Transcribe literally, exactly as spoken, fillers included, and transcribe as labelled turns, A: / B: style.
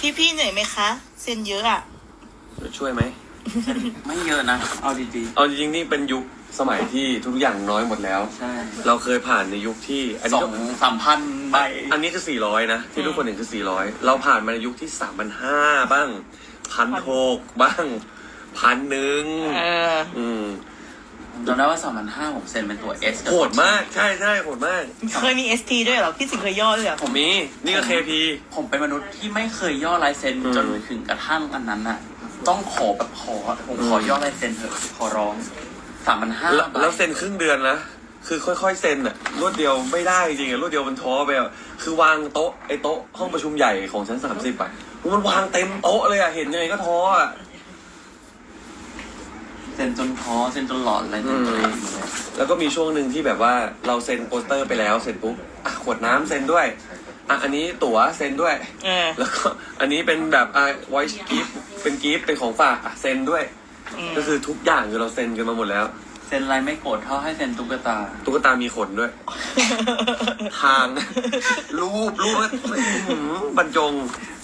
A: พี่พี่เหนื่อยไหมคะเซ็นเยอะอ่ะ
B: ช่วยไหม
C: ไม่เยอะนะเอาดี
B: เอาจริงๆนี่เป็นยุคสมัยที่ทุกอย่างน้อยหมดแล้ว
C: ๆใช่
B: เราเคยผ่านในยุคที่อัน
C: ส
B: นี้
C: อ
B: ก็
C: งสามพันใบ
B: อันนี้คือสี่ร้อยนะที่ทุกคนเห็นคือสี่ร้อยเราผ่านมาในยุคที่สามพันห้าบ้างพันหกบ้างพันหนึ่ง
A: เออ
B: อืม
C: จำได้ว่าสามพันห้าผมเซ็นเป็นตัวเอส
B: โหดมากใช่ใช่โหดมาก
A: เคยมี เอส ที ด้วยเหรอ พี่สิงห์เคยย่อด้วยเหรอ
B: ผมมีนี่ก็ เค พี
C: ผมเป็นมนุษย์ที่ไม่เคยย่อลายเซ็น
B: อืม
C: จนถึงกระทั่งอันนั้นน่ะ ต้องขอแบบขอผมขอย่อลายเซ็นเถอะขอร้องสามพันห้า
B: แล้วแล้วเซ็นครึ่งเดือนนะคือค่อยๆเซ็นอะรวดเดียวไม่ได้จริงอะรวดเดียวมันท้อไปอะคือวางโต๊ะไอ้โต๊ะห้องประชุมใหญ่ของชั้นสามสิบอะมันวางเต็มโต๊ะเลยอะเห็นยังไงก็ท้ออะ
C: เซ็นจนท้อเซ็นจนหลอนอะไรเซ็นตัวเองเลย
B: แล้วก็มีช่วงหนึ่งที่แบบว่าเราเซ็นโปสเตอร์ไปแล้วเสร็จปุ๊บอ่ะขวดน้ำเซ็นด้วยอ่ะอันนี้ตั๋วเซ็นด้วย
A: เออ
B: แล้วก็อันนี้เป็นแบบอ่ะ voice gift เป็นกิฟต์เป็นของฝากอ่ะเซ็นด้วย
A: อืม
B: ก็คือทุกอย่างคือเราเซ็นกันมาหมดแล้ว
C: เซ็นอะไรไม่โกรธเท่าให้เซ็นตุ๊กตา
B: ตุ๊กตามีขนด้วย ทาง รูปรูปอื้อหือบรรจง